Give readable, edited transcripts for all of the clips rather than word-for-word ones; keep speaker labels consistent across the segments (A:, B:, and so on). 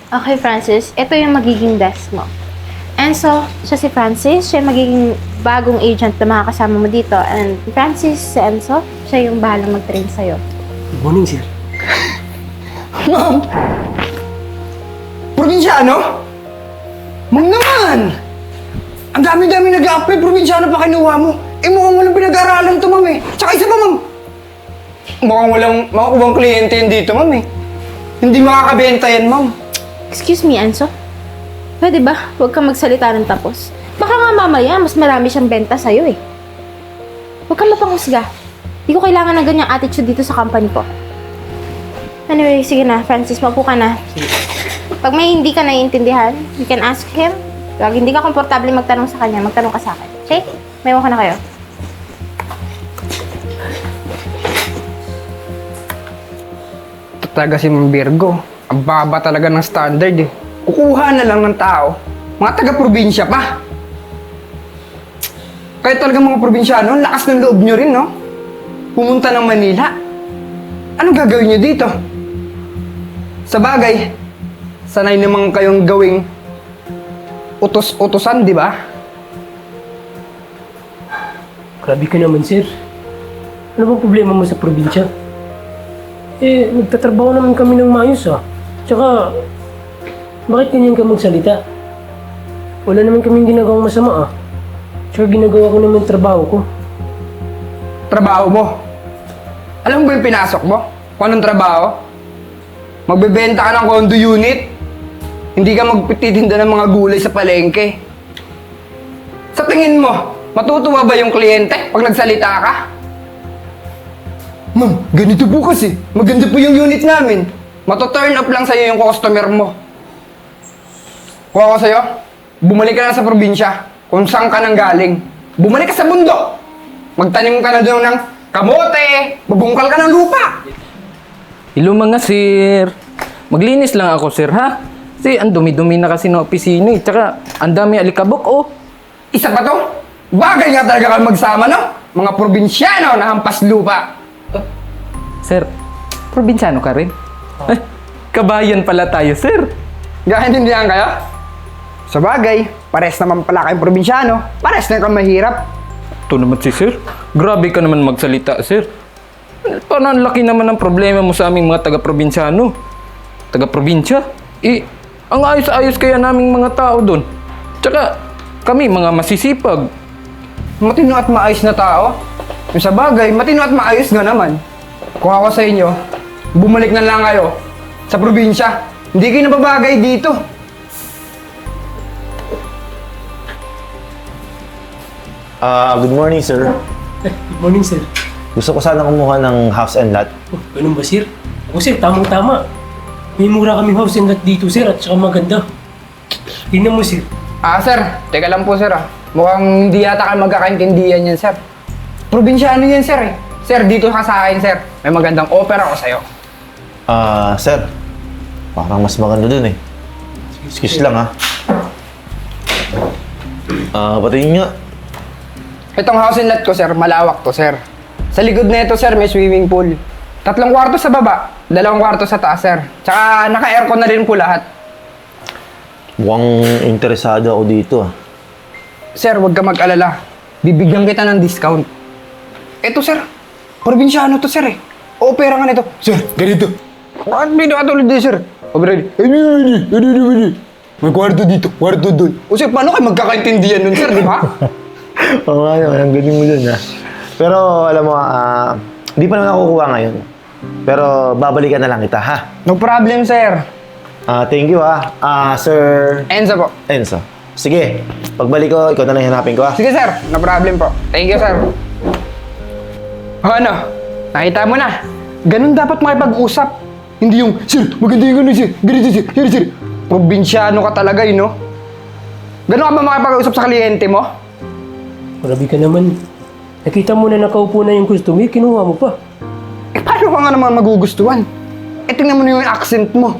A: Okay, Francis. Ito yung magiging desk mo. Enzo, siya si Francis. Siya yung magiging bagong agent na makakasama mo dito. And Francis, si Enzo, siya yung bahalang mag-train sa'yo.
B: Good morning, sir.
C: Ma'am! Probinsyano? Ma'am naman! Ang dami-dami nag-a-apply, probinsyano pa kinuha mo. Eh mukhang walang pinag-aaralan to, ma'am eh. Tsaka isa pa, ma'am. Mukhang walang makakubang kliyente yun dito, ma'am eh. Hindi makakabenta yan, ma'am.
A: Excuse me, Enzo. Pwede ba? Huwag kang magsalita ng tapos. Baka nga mamaya, mas marami siyang benta sa'yo eh. Huwag kang mapanghusga. Hindi ko kailangan ng ganyang attitude dito sa company ko. Anyway, sige na, Francis, maupo ka na. Pag may hindi ka naiintindihan, you can ask him. Pag hindi ka komportable magtanong sa kanya, magtanong ka sa akin. Okay? May ka na kayo.
C: Ito talaga si Ma'am Virgo. Ang baba talaga ng standard eh. Kukuha na lang ng tao. Mga taga-probinsya pa. Kaya talaga mga probinsyano, ang lakas ng loob nyo rin, no? Pumunta ng Manila. Anong gagawin nyo dito? Sa bagay, sanay naman kayong gawing utos-utosan, di ba?
B: Grabe ka naman, sir. Ano bang problema mo sa probinsya? Eh, nagtatrabaho naman kami ng maayos, ah. Tsaka, bakit ganyan ka magsalita? Wala naman kaming ginagawang masama, ah. Tsaka ginagawa ko naman yung trabaho ko.
C: Trabaho mo. Alam mo ba yung pinasok mo? Kung anong trabaho? Magbebenta ka ng condo unit. Hindi ka magpititinda ng mga gulay sa palengke. Sa tingin mo, matutuwa ba yung kliyente pag nagsalita ka? Ma'am, ganito po kasi. Maganda po yung unit namin. Mato-turn up lang sa'yo yung customer mo. Kuha ko sa'yo, bumalik ka na sa probinsya kung saan ka nang galing. Bumalik ka sa bundok. Magtanim ka na doon ng kamote, magbungkal ka ng lupa.
D: Hello mga sir. Maglinis lang ako sir ha. Kasi ang dumi-dumi na kasi ng opisina eh. Tsaka ang dami alikabok oh.
C: Isa pa to? Bagay nga talaga kayo magsama, no? Mga probinsyano na hampas lupa.
D: Sir, probinsyano ka rin? Ay, kabayan pala tayo sir.
C: Nakaintindihan kayo? Sa bagay, pares naman pala kayong probinsyano. Pares na kang mahirap.
D: Ito naman si sir. Grabe ka naman magsalita sir. Paano ang laki naman ng problema mo sa aming mga taga-probinsyano? Taga-probinsya? Eh, ang ayos-ayos kaya naming mga tao doon. Tsaka, kami mga masisipag.
C: Matino at maayos na tao. Yung sa bagay, matino at maayos nga naman. Kung ako sa inyo, bumalik na lang kayo sa probinsya. Hindi kayo nababagay dito.
E: Good morning, sir.
B: Good morning, sir.
E: Gusto ko sana kumuha ng house and lot.
B: Oh, ganun ba, sir? Ako, sir, tamang-tama. May mura kaming house and lot dito, sir, at saka maganda. Tingnan mo, sir.
C: Sir, teka lang po, sir, Mukhang hindi yata kayo magkakaintindihan yan, sir. Probinsyano yan, sir, eh. Sir, dito ka sa akin, sir. May magandang offer ako sa'yo.
E: Sir. Parang mas maganda dun eh. Excuse lang, ha. Patingin nga.
C: Itong house and lot ko, sir, malawak to, sir. Sa likod na ito, sir, may swimming pool. 3 kwarto sa baba, 2 kwarto sa taas, sir. Tsaka naka-aircon na rin po lahat.
E: Mukhang interesado ako dito, ah.
C: Sir, huwag ka mag-alala. Bibigyan kita ng discount. Ito, sir. Probinsyano to, sir, eh. Opera nga nito. Sir, ganito. Bakit may nakatulad din, sir? May kwarto dito, kwarto doon. O sir, paano kayo magkakaintindihan nun, sir, di ba?
E: Oo nga naman, ang galing mo dun, ha. Pero, alam mo, di pa naman ako kukuha ngayon. Pero, babalikan na lang kita, ha.
C: No problem, sir.
E: Thank you, ha. Sir
C: Enzo po.
E: Enzo. Sige, pagbalik ko, ikaw na lang hanapin ko, ha.
C: Sige, sir. No problem po. Thank you, sir. O ano? Nakita mo na. Ganun dapat makipag-usap. Hindi yung, sir, maganda yung ganun, sir. Ganito, sir. Ganito, sir. Probinsyano ka talaga, no? Ganun ka ba makipag-usap sa kliyente mo?
B: Grabe ka naman. Nakita mo na nakaupo na yung customer, kinuha mo pa.
C: Eh, paano ka nga naman magugustuhan? Eh, tingnan mo na yung accent mo.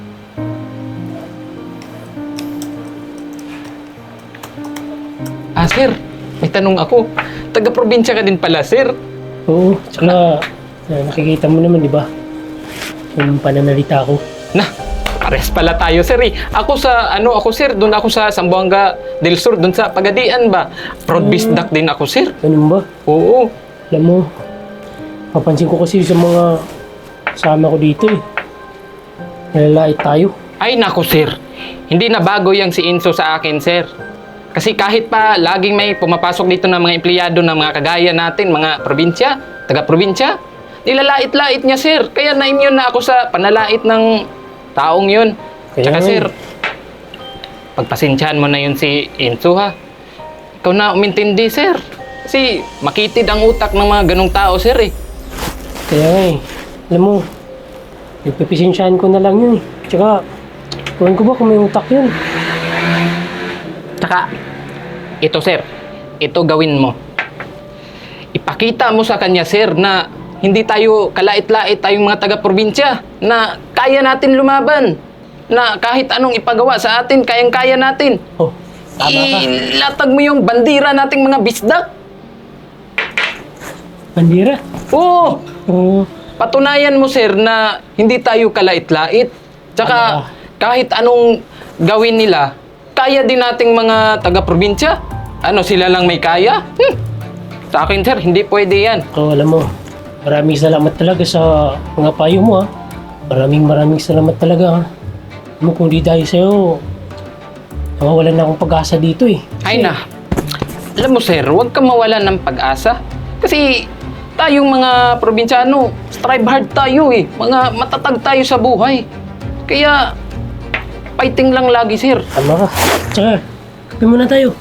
D: Sir, may tanong ako. Taga-probinsya ka din pala, sir.
B: Oo, tsaka nakikita mo naman, di ba? Yung pananalita ko.
D: Na, pares pala tayo, sir eh. Ako sir, doon ako sa Zamboanga del Sur, doon sa Pagadian ba. Proud bisdak din ako, sir.
B: Ganun ba?
D: Oo.
B: Alam mo, papansin ko kasi sa mga kasama ko dito eh. Nalalait tayo.
D: Ay nako, sir. Hindi na bago yang si Inso sa akin, sir. Kasi kahit pa laging may pumapasok dito ng mga empleyado ng mga kagaya natin, mga probinsya, taga-probinsya, nilalait-lait niya, sir. Kaya na-immune na ako sa panalait ng taong yun.
B: Kaya
D: Tsaka,
B: nga
D: sir,
B: eh.
D: pagpasensyahan mo na yun si Inso, ha? Ikaw na umintindi, sir. Kasi makitid ang utak ng mga ganong tao, sir, eh.
B: Kaya nga eh. Alam mo, ipapisensyahan ko na lang yun eh. Tsaka, tuwan ko ba kung may utak yun?
D: Tsaka, ito sir, ito gawin mo. Ipakita mo sa kanya sir na hindi tayo kalait-lait tayong mga taga-probinsya, na kaya natin lumaban, na kahit anong ipagawa sa atin, kayang-kaya natin.
B: Oh, tama ka.
D: Ilatag mo yung bandira nating mga bisdak.
B: Bandira.
D: Oo,
B: Oo.
D: patunayan mo sir na hindi tayo kalait-lait. Tsaka kahit anong gawin nila, kaya din nating mga taga-probinsya. Ano, sila lang may kaya? Sa akin sir, hindi pwede yan.
B: Alam mo, maraming salamat talaga sa mga payo mo ha. Maraming salamat talaga ha. Alam mo, kung di dahil sa'yo, nawawalan na akong pag-asa dito eh.
D: Ay na, alam mo sir, huwag kang mawalan ng pag-asa. Kasi tayong mga probinsyano, strive hard tayo eh. Mga matatag tayo sa buhay. Kaya, fighting lang lagi sir.
B: Tama ka. Tsaka, kape muna tayo.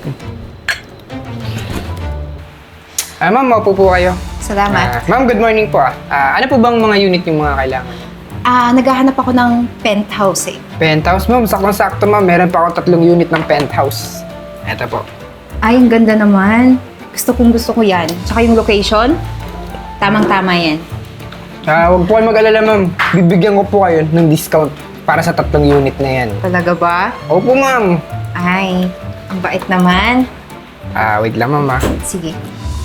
C: Ma'am, maupo po kayo.
F: Salamat.
C: Ma'am, good morning po ah. Ano po bang mga unit yung mga kailangan?
F: Naghahanap ako ng penthouse eh.
C: Penthouse, ma'am. Saktong-sakto, ma'am. Meron pa ako 3 unit ng penthouse. Eto po.
F: Ay, ang ganda naman. Gusto ko yan. Tsaka yung location, tamang-tama yan.
C: Huwag po kayo mag-alala, ma'am. Bibigyan ko po kayo ng discount para sa 3 unit na yan.
F: Talaga ba?
C: Opo, ma'am.
F: Ay, ang bait naman.
C: Wait lang, ma'am ah.
F: Sige.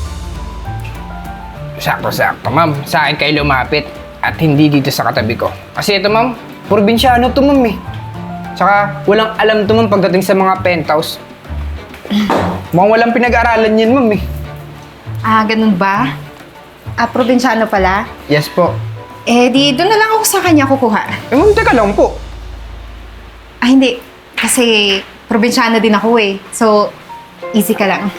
C: Sakto-sakto, ma'am. Sa akin kayo lumapit at hindi dito sa katabi ko. Kasi ito, ma'am, probinsyano to, ma'am eh. Tsaka walang alam to, ma'am, pagdating sa mga penthouse. Mukhang walang pinag-aralan yan, ma'am eh.
F: Ganun ba? Probinsyano pala?
C: Yes po.
F: Di doon na lang ako sa kanya kukuha.
C: Ma'am, teka lang po.
F: Hindi. Kasi probinsyano din ako eh. So, easy ka lang.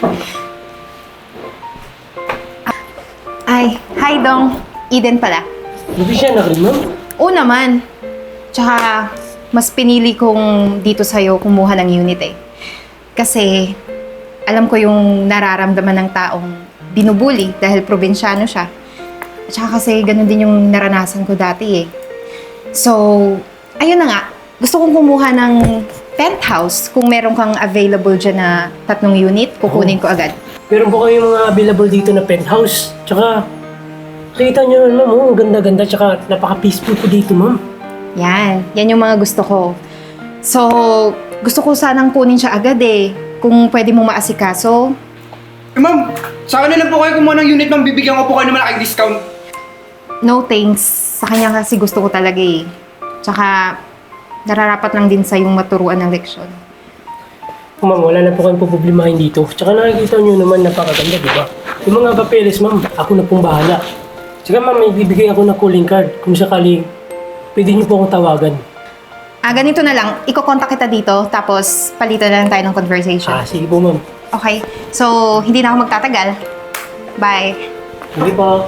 F: Hi Dong. Eden pala.
B: Hindi siya na rin, ma'am.
F: Oo naman. Tsaka, mas pinili kong dito sa'yo kumuha ng unit eh. Kasi, alam ko yung nararamdaman ng taong binubuli dahil probinsyano siya. At saka kasi ganun din yung naranasan ko dati eh. So, ayun na nga. Gusto kong kumuha ng penthouse. Kung meron kang available dyan na 3 unit, kukunin ko agad.
B: Meron po kayong mga available dito na penthouse. Tsaka, kita nyo naman, ma'am. Ang ganda-ganda. Tsaka, napaka-peaceful po dito, ma'am.
F: Yan yung mga gusto ko. So, gusto ko sanang kunin siya agad eh. Kung pwede mong maasikaso.
C: Ma'am, sa akin na lang po kayo kumuha ng unit, ma'am. Bibigyan ko po kayo ng malaking discount.
F: No thanks. Sa kanya kasi gusto ko talaga eh. Tsaka, nararapat lang din sa yung maturuan ng leksyon.
B: Ma'am, wala na po kayong problemahin dito. Tsaka nakikita nyo naman napakaganda, di ba? Yung mga papeles, ma'am, ako na pong bahala. Tsaka, ma'am, may bibigay ako ng calling card. Kung sakali, pwede nyo po akong tawagan.
F: Ganito na lang. Iko-contact kita dito, tapos palitan na lang tayo ng conversation.
B: Sige po, ma'am.
F: Okay. So, hindi na ako magtatagal. Bye.
B: Hindi pa.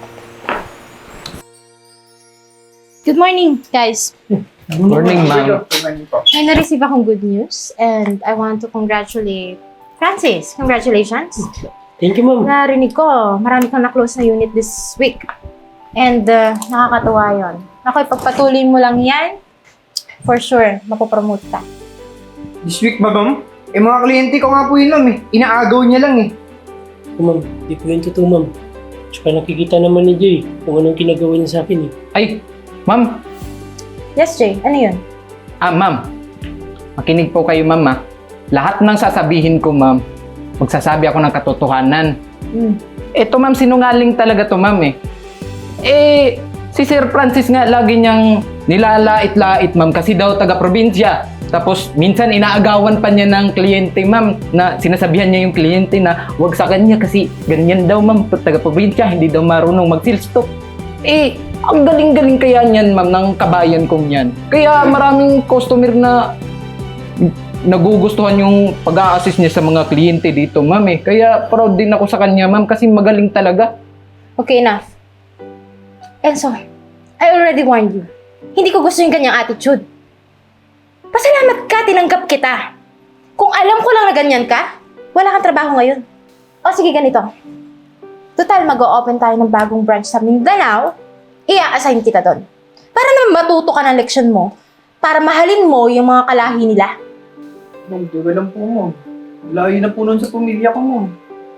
A: Good morning, guys.
C: Morning, ma'am.
A: May na-receive akong good news and I want to congratulate Francis. Congratulations.
B: Thank you, ma'am.
A: Narinig ko, marami kang na-close na unit this week. And nakakatuwa yun. Ako, ipagpatuloy mo lang yan, for sure, mapopromote ka.
C: This week ba, ma'am? Mga kliyente ko nga po yun, ma'am eh. Inaagaw niya lang eh.
B: Ma'am, di po yun totoo, ma'am. Tsaka nakikita naman ni Jay kung anong ginagawa niya sa akin eh.
D: Ay, ma'am.
A: Yes, Jay. Ano yun?
D: Ma'am. Makinig po kayo, ma'am ah. Lahat ng sasabihin ko, ma'am, magsasabi ako ng katotohanan. Eto, ma'am, sinungaling talaga to, ma'am eh. Si Sir Francis nga, lagi niyang nilalait-lait, ma'am, kasi daw taga-probinsya. Tapos minsan inaagawan pa niya ng kliyente, ma'am, na sinasabihan niya yung kliyente na wag sa kanya kasi ganyan daw, ma'am, taga-probinsya, hindi daw marunong mag-sales talk. Eh, ang galing-galing kaya niyan, ma'am, ng kabayan kong yan. Kaya maraming customer na nagugustuhan yung pag-a-assist niya sa mga kliyente dito, ma'am, eh. Kaya proud din ako sa kanya, ma'am, kasi magaling talaga.
A: Okay, enough. Enzo, I already warned you. Hindi ko gusto yung ganyang attitude. Pasalamat ka, tinanggap kita. Kung alam ko lang na ganyan ka, wala kang trabaho ngayon. O sige, ganito. Total, mag-o-open tayo ng bagong branch sa Mindanao, i-assign kita doon. Para naman matuto ka ng leksyon mo, para mahalin mo yung mga kalahi nila.
G: Ma'am, tuwa lang po, ma'am. Layo na po nun sa pamilya ko, ma'am.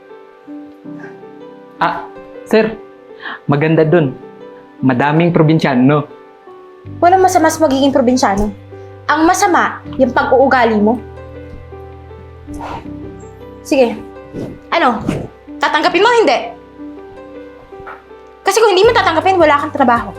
D: Ah, sir, maganda dun. Madaming probinsyano.
A: Walang masama sa magiging probinsyano. Ang masama, yung pag-uugali mo. Sige. Ano? Tatanggapin mo o hindi? Kasi kung hindi mo tatanggapin, wala kang trabaho.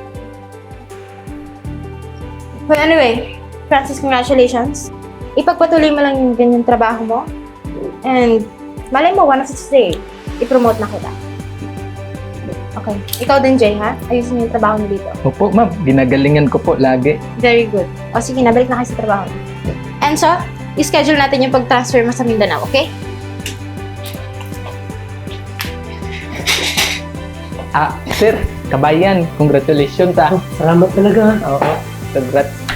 A: Well, anyway, Francis, congratulations. Ipagpatuloy mo lang yung ganyang trabaho mo. And, malay mo, one of this day, i-promote na kita. Okay. Ikaw din, Jay, ha? Ayusin mo yung trabaho mo dito.
D: Opo, ma'am, ginagalingan ko po lagi.
A: Very good. O sige, nabalik na kayo sa trabaho. Enzo, i-schedule natin yung pag-transfer mo sa Mindanao, okay?
D: Ah, sir, kabayan, congratulations, ah.
B: Salamat talaga.
D: Oo, congrats.